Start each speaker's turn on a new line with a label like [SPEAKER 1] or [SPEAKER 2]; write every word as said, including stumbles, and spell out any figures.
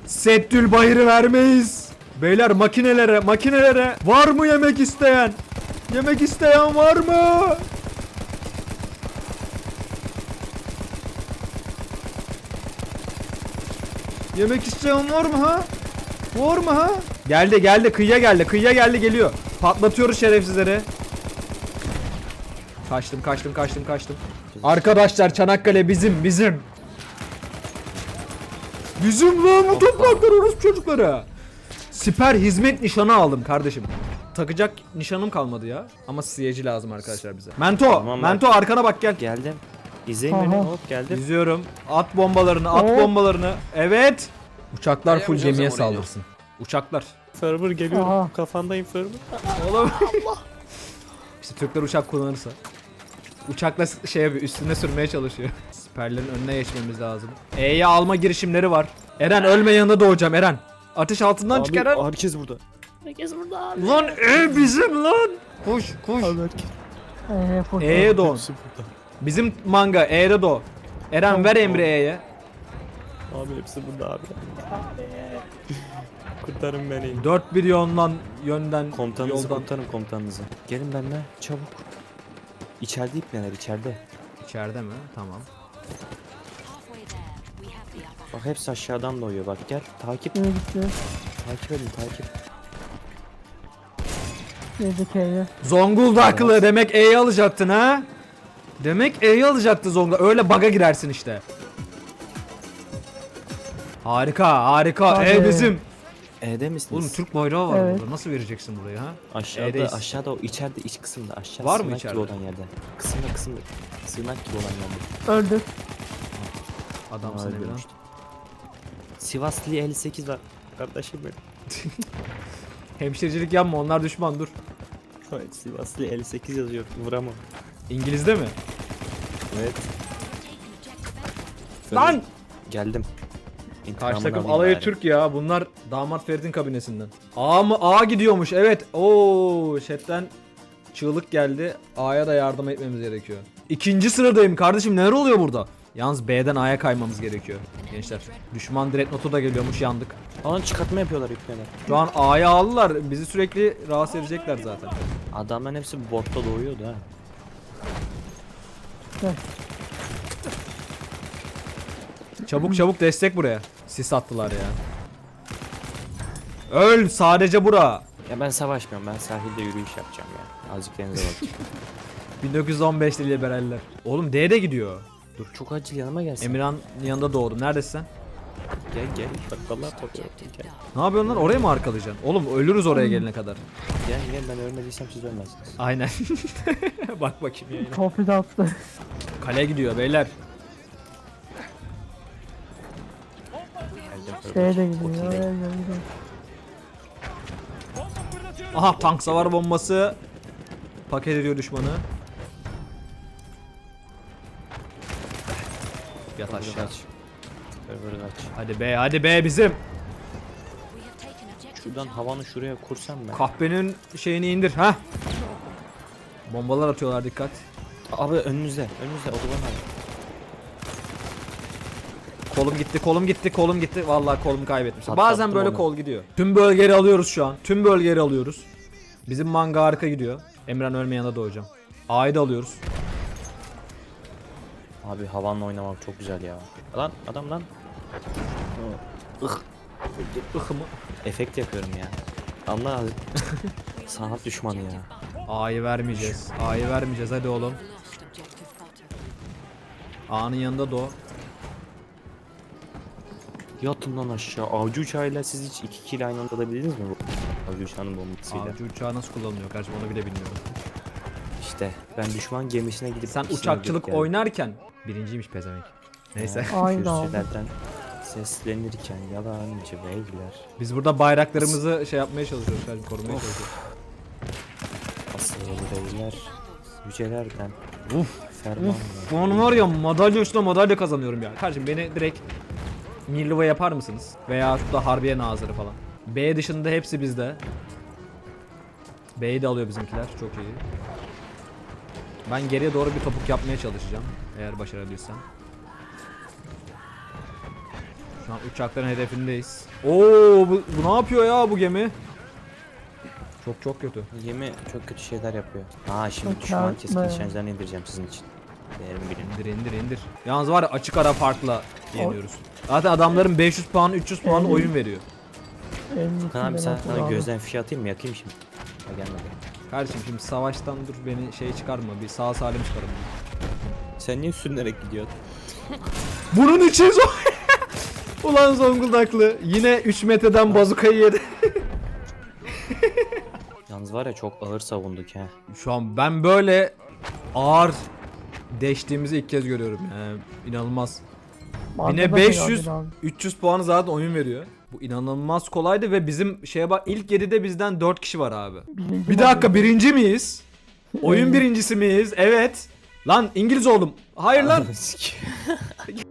[SPEAKER 1] Settül Bahir'i vermeyiz. Beyler makinelere makinelere var mı yemek isteyen? Yemek isteyen var mı? Yemek isteyen var mı ha? Var mı ha? Geldi geldi kıyıya geldi kıyıya geldi geliyor. Patlatıyoruz şerefsizleri. Kaçtım kaçtım kaçtım kaçtım. Arkadaşlar Çanakkale bizim bizim. Bizim lan bu topraklar orası çocuklara. Siper hizmet nişanı aldım kardeşim. Takacak nişanım kalmadı ya. Ama siyeci lazım arkadaşlar bize. Mento,
[SPEAKER 2] Tamam,
[SPEAKER 1] Mento arkana bak gel.
[SPEAKER 2] Geldim. İzleyin beni.
[SPEAKER 3] Aha.
[SPEAKER 2] Hop geldim.
[SPEAKER 1] İzliyorum. At bombalarını, at
[SPEAKER 3] Oo.
[SPEAKER 1] bombalarını. Evet. Uçaklar full
[SPEAKER 4] Dayamayacağız
[SPEAKER 1] gemiye
[SPEAKER 4] ama oraya.
[SPEAKER 1] saldırsın. Uçaklar.
[SPEAKER 2] Ferber geliyorum.
[SPEAKER 3] Aha.
[SPEAKER 2] Kafandayım Ferber.
[SPEAKER 1] Oğlum. İşte Türkler uçak kullanırsa. Uçakla s- şey yapıyor, üstüne sürmeye çalışıyor. Siperlerin önüne geçmemiz lazım. E'ye alma girişimleri var. Eren ölme yanında doğacağım Eren. Ateş altından çık Eren.
[SPEAKER 2] herkes burada.
[SPEAKER 1] Lan E bizim lan. Koş koş.
[SPEAKER 2] Abi herkes.
[SPEAKER 3] Ee, full.
[SPEAKER 1] E'ye doğun.
[SPEAKER 2] Hepsi burada.
[SPEAKER 1] Bizim manga E'de doğ. Eren ver emri E'ye.
[SPEAKER 2] Abi hepsi burada abi. Kurtarın beni.
[SPEAKER 1] dört bir yoldan yönden
[SPEAKER 2] Komutanınızı
[SPEAKER 1] yoldan.
[SPEAKER 2] kurtarın komutanınızı. Gelin benimle çabuk. İçeride ipneler içeride.
[SPEAKER 1] İçeride mi? Tamam.
[SPEAKER 2] Bak hepsi aşağıdan doğuyor bak gel. Takip.
[SPEAKER 3] E'ye gitti.
[SPEAKER 2] Takip edin takip.
[SPEAKER 3] Girdik E'ye.
[SPEAKER 1] Zonguldaklı demek E'yi alacaktın ha? Demek E'yi alacaktı Zonguldak. Öyle bug'a girersin işte. Harika harika.
[SPEAKER 3] Hadi.
[SPEAKER 1] E bizim.
[SPEAKER 2] E'de misiniz?
[SPEAKER 1] Oğlum Türk bayrağı var
[SPEAKER 3] Evet.
[SPEAKER 1] burada. Nasıl vereceksin burayı ha?
[SPEAKER 2] Aşağıda
[SPEAKER 1] E'deyiz.
[SPEAKER 2] aşağıda o içeride iç kısımda aşağı
[SPEAKER 1] Var mı
[SPEAKER 2] sığınak
[SPEAKER 1] içeride?
[SPEAKER 2] gibi olan yerde. Kısımda kısımda sığınak gibi olan yerde.
[SPEAKER 3] Öldü.
[SPEAKER 1] Adamsın
[SPEAKER 2] Öyle
[SPEAKER 1] Emirhan.
[SPEAKER 2] işte. Sivaslı elli sekiz var. Kardeşim benim.
[SPEAKER 1] Hemşirecilik yapma onlar düşman dur.
[SPEAKER 2] Evet, Sivaslı elli sekiz yazıyor. Vuramam.
[SPEAKER 1] İngiliz'de mi?
[SPEAKER 2] Evet.
[SPEAKER 1] Lan!
[SPEAKER 2] Geldim.
[SPEAKER 1] Karşı
[SPEAKER 2] İntikamını
[SPEAKER 1] takım
[SPEAKER 2] alayım
[SPEAKER 1] alayı
[SPEAKER 2] bari.
[SPEAKER 1] Türk ya. Bunlar damat Ferit'in kabinesinden. A mı? A gidiyormuş. Evet. Oo, chatten çığlık geldi. A'ya da yardım etmemiz gerekiyor. İkinci sıradayım kardeşim. Neler oluyor burada? Yalnız B'den A'ya kaymamız gerekiyor. Gençler. Düşman dreadnought'u da geliyormuş. Yandık.
[SPEAKER 2] Alan çıkartma yapıyorlar ipneler.
[SPEAKER 1] Şu an A'ya aldılar. Bizi sürekli rahatsız edecekler zaten.
[SPEAKER 2] Adamların hepsi botta doğuyordu ha.
[SPEAKER 1] Çabuk çabuk destek buraya. Sis attılar ya. Öl sadece bura.
[SPEAKER 2] Ya ben savaşmıyorum. Ben sahilde yürüyüş yapacağım ya. Azıcık denize bakacağım.
[SPEAKER 1] bin dokuz yüz on beşli liberaller. Oğlum D'de gidiyor.
[SPEAKER 2] Dur çok acil yanıma gelsin.
[SPEAKER 1] Emirhan'ın yanında doğdum. Neredesin sen?
[SPEAKER 2] Gel gel. Bak vallahi topluyorum. Gel.
[SPEAKER 1] Ne yapıyorsun lan? Oraya mı arkalayacaksın? Oğlum ölürüz oraya gelene kadar.
[SPEAKER 2] Gel gel ben ölmediysem siz ölmezsiniz.
[SPEAKER 1] Aynen. Bak bakayım yayına.
[SPEAKER 3] Torpil attı.
[SPEAKER 1] Kale gidiyor beyler.
[SPEAKER 2] Geldim.
[SPEAKER 3] Şeye de gidiyor.
[SPEAKER 2] Okey
[SPEAKER 3] E'ye
[SPEAKER 2] değil.
[SPEAKER 3] gidiyor.
[SPEAKER 1] Aha tank savar bombası. Paket ediyor düşmanı. Yat
[SPEAKER 2] Server
[SPEAKER 1] aşağı.
[SPEAKER 2] kaç. Server kaç.
[SPEAKER 1] Hadi be hadi be bizim.
[SPEAKER 2] Şuradan havanı şuraya kursam ben.
[SPEAKER 1] Kahvenin şeyini indir ha. Bombalar atıyorlar dikkat.
[SPEAKER 2] Abi önünüzde. Önünüzde otoban abi.
[SPEAKER 1] Kolum gitti, kolum gitti, kolum gitti. Vallahi kolumu kaybetmişim.
[SPEAKER 2] Patlattım
[SPEAKER 1] Bazen böyle
[SPEAKER 2] onu.
[SPEAKER 1] kol gidiyor. Tüm bölgeleri alıyoruz şu an. Tüm bölgeleri alıyoruz. Bizim manga harika gidiyor. Emran ölme yanında doğacağım. A'yı da alıyoruz.
[SPEAKER 2] Abi havanla oynamak çok güzel ya. Lan adam lan. Ih.
[SPEAKER 1] Ihı mı?
[SPEAKER 2] Efekt yapıyorum ya. Allah abi. Sanat düşmanı ya.
[SPEAKER 1] A'yı vermeyeceğiz. A'yı vermeyeceğiz hadi oğlum. A'nın yanında doğ.
[SPEAKER 2] Yatın lan aşağı. Avcı uçağıyla siz hiç iki kişiyle aynı anda alabildiniz mi bu? Avcı uçağının bombasıyla.
[SPEAKER 1] Avcı uçağı nasıl kullanılıyor kardeşim onu bile bilmiyorum.
[SPEAKER 2] İşte ben düşman gemisine gidip
[SPEAKER 1] Sen
[SPEAKER 2] ikisini
[SPEAKER 1] uçakçılık
[SPEAKER 2] öldürüp geldim.
[SPEAKER 1] oynarken birinciymiş pezevenk. Neyse.
[SPEAKER 3] Aynı aldı.
[SPEAKER 2] Kürsülerden seslenirken yalancı beyler.
[SPEAKER 1] Biz burada bayraklarımızı şey yapmaya çalışıyoruz kardeşim korumaya çalışıyoruz.
[SPEAKER 2] Asıl beyler. Yücelerden.
[SPEAKER 1] Uf.
[SPEAKER 2] Ferman.
[SPEAKER 1] Bu an var ya madalya üstüne madalya kazanıyorum ya. Kardeşim beni direkt Mirliva yapar mısınız? Veya da Harbiye Nazırı falan. B dışında hepsi bizde. B'yi de alıyor bizimkiler. Çok iyi. Ben geriye doğru bir topuk yapmaya çalışacağım. Eğer başarabilirsem. Şu an uçakların hedefindeyiz. Oo bu, bu ne yapıyor ya bu gemi? Çok çok kötü.
[SPEAKER 2] Gemi çok kötü şeyler yapıyor. Aa şimdi
[SPEAKER 3] Çok
[SPEAKER 2] düşman
[SPEAKER 3] kâr-
[SPEAKER 2] keskin
[SPEAKER 3] ne?
[SPEAKER 2] nişancılarını indireceğim sizin için. Değerim bilin.
[SPEAKER 1] İndir indir indir. Yalnız var ya açık ara farkla yeniyoruz. Zaten adamların beş yüz puan üç yüz puan
[SPEAKER 3] Evet.
[SPEAKER 1] oyun veriyor.
[SPEAKER 3] elli
[SPEAKER 2] Kan abi
[SPEAKER 3] iki
[SPEAKER 2] sen
[SPEAKER 3] bin
[SPEAKER 2] sana
[SPEAKER 3] altı
[SPEAKER 2] gözden fişi atayım mı? Yakayım şimdi. Ha gelmedi.
[SPEAKER 1] Kardeşim şimdi savaştan dur beni şey çıkarma. Bir sağ salim çıkarım.
[SPEAKER 2] Sen niye sürünerek gidiyorsun?
[SPEAKER 1] Bunun için zor. Ulan Zonguldaklı yine üç metreden bazukayı yedi.
[SPEAKER 2] Yalnız var ya çok ağır savunduk ha.
[SPEAKER 1] Şu an ben böyle ağır deştiğimizi ilk kez görüyorum. Yani inanılmaz.
[SPEAKER 3] Arkada
[SPEAKER 1] Yine
[SPEAKER 3] da
[SPEAKER 1] beş yüz
[SPEAKER 3] geldi abi.
[SPEAKER 1] üç yüz puanı zaten oyun veriyor. Bu inanılmaz kolaydı ve bizim şeye bak ilk yedide bizden dört kişi var abi.
[SPEAKER 3] Birinci
[SPEAKER 1] Bir dakika
[SPEAKER 3] model.
[SPEAKER 1] birinci miyiz? Oyun birincisi miyiz? Evet. Lan İngiliz oldum. Hayır lan.